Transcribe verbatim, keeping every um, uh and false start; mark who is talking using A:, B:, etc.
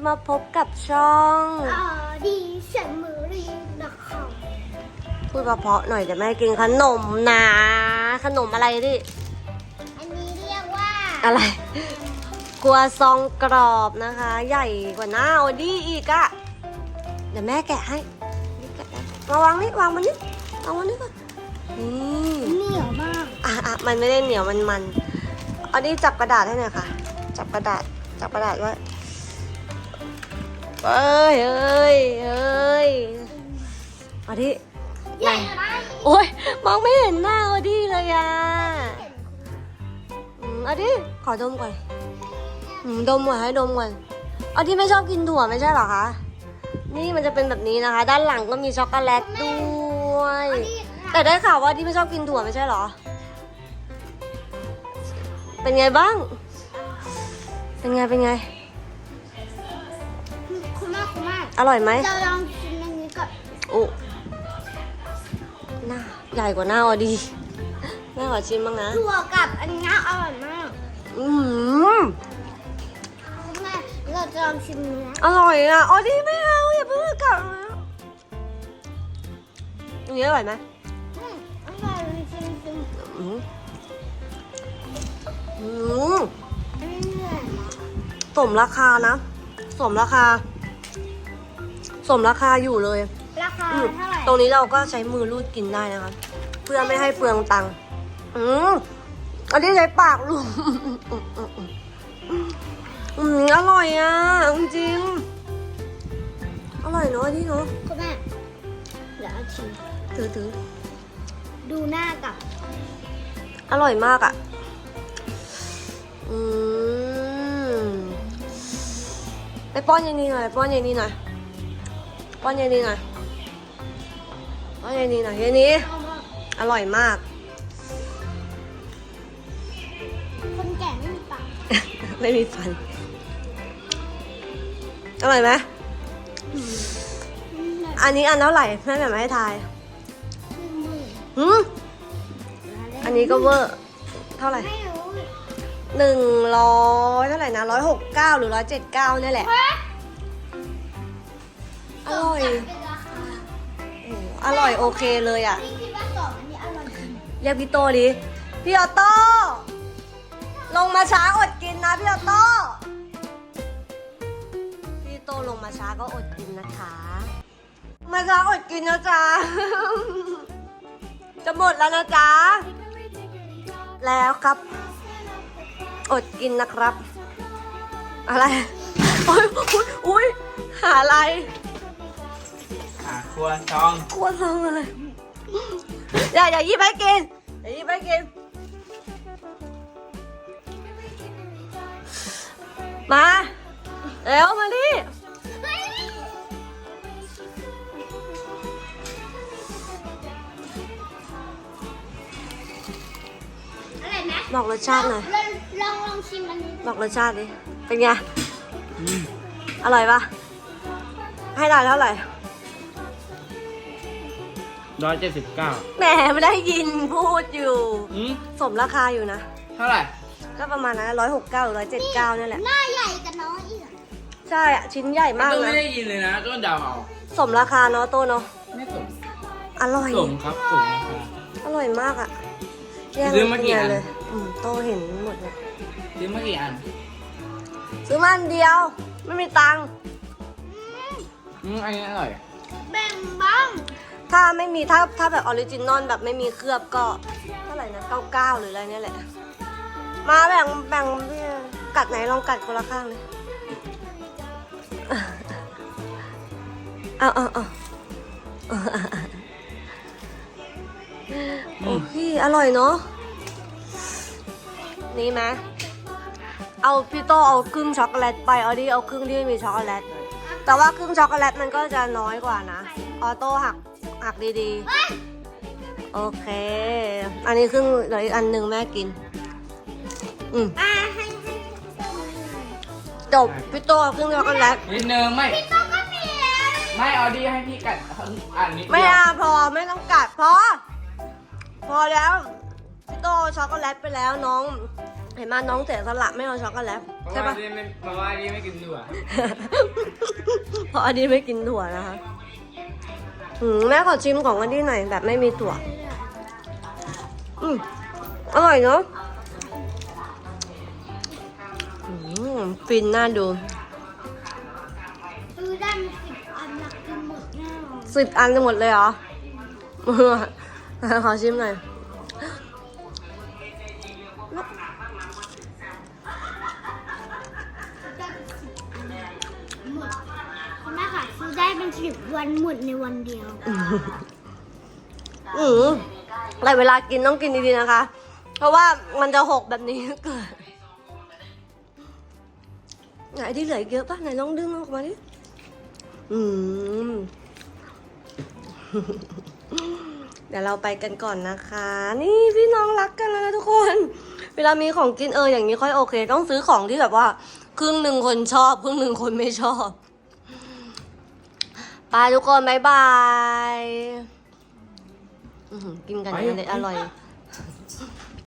A: มาพบกับช่อง
B: ออดีเซมอรีนะคะ
A: พูดเพราะๆหน่อยจะแม่กินขนมนะขนมอะไรดิ
B: อันนี้เรียกว่า
A: อะไรครัวซองกรอบนะคะ ใหญ่กว่าหน้าออดี้อีกอะเดี๋ยวแม่แกะให้แกะมาวางนี่วางมันนี่วางมันนี่ก่อนนี่
B: เหนียวมาก
A: อ่ะอ่ะมันไม่ได้เหนียวมันมันออดี้จับกระดาษให้หน่อยค่ะจับกระดาษจับกระดาษไว้เอ้ยเอ้ยเอ้ยออดี้
B: ใหญ่มาก
A: โอ๊ยมองไม่เห็นหน้าออดี้เลยอ่ะอืมออดี้ขอดมก่อนอืมดมก่อนให้ดมก่อนออดี้ไม่ชอบกินถั่วไม่ใช่เหรอคะนี่มันจะเป็นแบบนี้นะคะ ด้านหลังก็มีช็อกโกแลตด้วยแต่ได้ข่าวว่าออดี้ไม่ชอบกินถั่วไม่ใช่เหรอเป็นไงบ้างเป็นไงเป็นไง
B: คุณมากคุณมาก
A: อร่อยไหม
B: เราลองชิมอันนี้ก่อน
A: โอ้หน้าใหญ่กว่าหน้าออดี้แม่ขอชิมบ้างนะ
B: ถั่วกับอันนี้อร่อยมาก
A: อืม
B: คุณแม่เราจะลองชิมเนื้อ
A: อร่อยอ่ะออดี้ไม่เอาอย่าเพิ่งกลับมาอันนี้อร่อยไหม
B: อืมอร่อยชิมชิม
A: อืมอืม
B: อันนี้เหนื่อยมาก
A: สมราคานะสมราคา สมราคาอยู่เลย
B: ราคา
A: อืม
B: เท่าไหร่
A: ตรงนี้เราก็ใช้มือรูดกินได้นะคะเพื่อไม่ให้เปลืองตังค์อืมอันนี้ใช้ปากลูบอืมอืมอืมอืมอร่อยอ่ะจริงๆอร่อยเนอะอันนี่เนอะ
B: คุณแม่เดี๋ยวเอาชิม
A: ถือถือ
B: ดูหน้ากับ
A: อร่อยมากอ่ะอืมไปป้อนยายนีหน่อยป้อนยายนีหน่อยป้อนยายนีหน่อยป้อนยายนีหน่อยยายนีอร่อยมาก
B: คนแก่ไม่มีปาก
A: ไม่มีฟัน อร่อยไหมอันนี้อันเท่าไหร่แม่แบบมาให้ทายหืมอันนี้ก็เวอร์ เท่าไหร่
B: ไม่รู้
A: หนึ่งร้อยเท่าไหร่นะร้อยหกเก้าหรือร้อยเจ็ดเก้านี่แหละ อร่อย
B: เป็นราคา
A: โอ้โหอร่อยโอเคเลยอ่ะ
B: พี่คิดว่าสองอันนี้อร่อยจริง
A: เรียกพี่โตดิ พี่ออโต้ ลงมาช้าอดกินนะพี่ออโต้ พี่โตลงมาช้าก็อดกินนะคะ มาช้าอดกินนะจ๊ะ จะหมดแล้วนะจ๊ะ แล้วครับ อดกินนะครับ อะไรโอ้ยอุ๊ยอุ้ยหาอะไร
C: อ่ะครัวซอง
A: กลัวซองอะไร อย่าอย่าหยิบให้กินอย่าหยิบให้กิน มาเร็วมาดิ
B: อะไรไหม
A: บอกรสชาติหน่อย
B: ลองลองลองชิมอันนี้
A: บอกรสชาติดิ เป็นไง อร่อยปะให้ได้เท่าไหร่
C: ร้อยเจ็ดสิบเก้า
A: แหมไม่ได้ยินพูดอยู่
C: อืม
A: สมราคาอยู่นะ
C: เท่าไหร่
A: ก็ประมาณนั้นร้อยหกเก้าหรือร้อยเจ็ดเก้านี่แหละ
B: หน้าใหญ่กับน้องอีกอะ
A: ใช่อะชิ้นใหญ่มาก
C: ต้น
A: นะ
C: ไม่ได้ยินเลยนะต้นเดาวเอา
A: สมราคาเนาะโตเนาะ
C: ไม่สม
A: อร่อย
C: สมครับสมราคา
A: อร่อยมากอะแย่ง
C: ซื้อมากี่อัน
A: เลยอืมโตเห็นหมดเลย
C: ซื้อมากี่อัน
A: ซื้อมาอันเดียว ไม่มีตังค์
C: อืมอันนี้อร่อย
B: แบ่งบ้าง
A: ถ้าไม่มีถ้าถ้าแบบออริจินอลแบบไม่มีเคลือบก็เท่าไหร่นะเก้าเก้าหรืออะไรเนี่ยแหละ มาแบ่งแบ่งกัดไหนลองกัดคนละข้างเลยเอาเอาเอาโอ้พี่อร่อยเนาะนี่ไหมเอาพี่โตเอาครึ่งช็อกโกแลตไปออดี้เอาครึ่งที่ไม่มีช็อกโกแลตแต่ว่าครึ่งช็อกโกแลตมันก็จะน้อยกว่านะออโต้หักหักดีๆโอเค อันนี้ครึ่งเดี๋ยวอีกอันหนึ่งแม่กินอืม
B: อ่าให้ให้
A: จบพี่โตเอาครึ่งช็อกโกแลต
C: นิดนึงไม่
B: พี่ต้องก็มีแล้ว
C: ไม่เอาดีให้พี่กัดอันนิดเดียว
A: ไม่เอาพอไม่ต้องกัดพอ พอแล้วพี่โตเอาช็อกโกแลตไปแล้วน้อง เห็นไหมน้องเสียสละไม่เอาช็อกโกแลต
C: เพราะ
A: ใช่
C: ว่า
A: ปะ
C: ดีไม่เพราะว่าดีไม่กินถั่ว
A: เพราะอันนี้ไม่กินถั่วนะคะอืมแม่ขอชิมของอันนี้หน่อยแบบไม่มีถั่ว อืมอร่อยเนาะอืมฟินน่าดู
B: ซื้อได้มาสิบอันหลักกินหมดแน่นอน
A: สิบอันหมดเลยเหรอ ขอชิมหน่อย
B: ได้สิบอันหมดคุณแม่ค่ะซื้อได้เป็นสิบวันหมดในวันเดียว
A: อืมแต่เวลากินต้องกินดีๆนะคะ เพราะว่ามันจะหกแบบนี้เกิดไหนที่เหลืออีกเยอะป่ะไหนลองดึงออกมาดิ อืม เดี๋ยวเราไปกันก่อนนะคะ นี่พี่น้องรักกันแล้วนะทุกคน เวลามีของกินเอออย่างนี้ค่อยโอเค ต้องซื้อของที่แบบว่า ครึ่งหนึ่งคนชอบครึ่งหนึ่งคนไม่ชอบไปทุกคนบ๊ายบายอื้อหือกินกัน
C: ไป
A: เลยอร่อย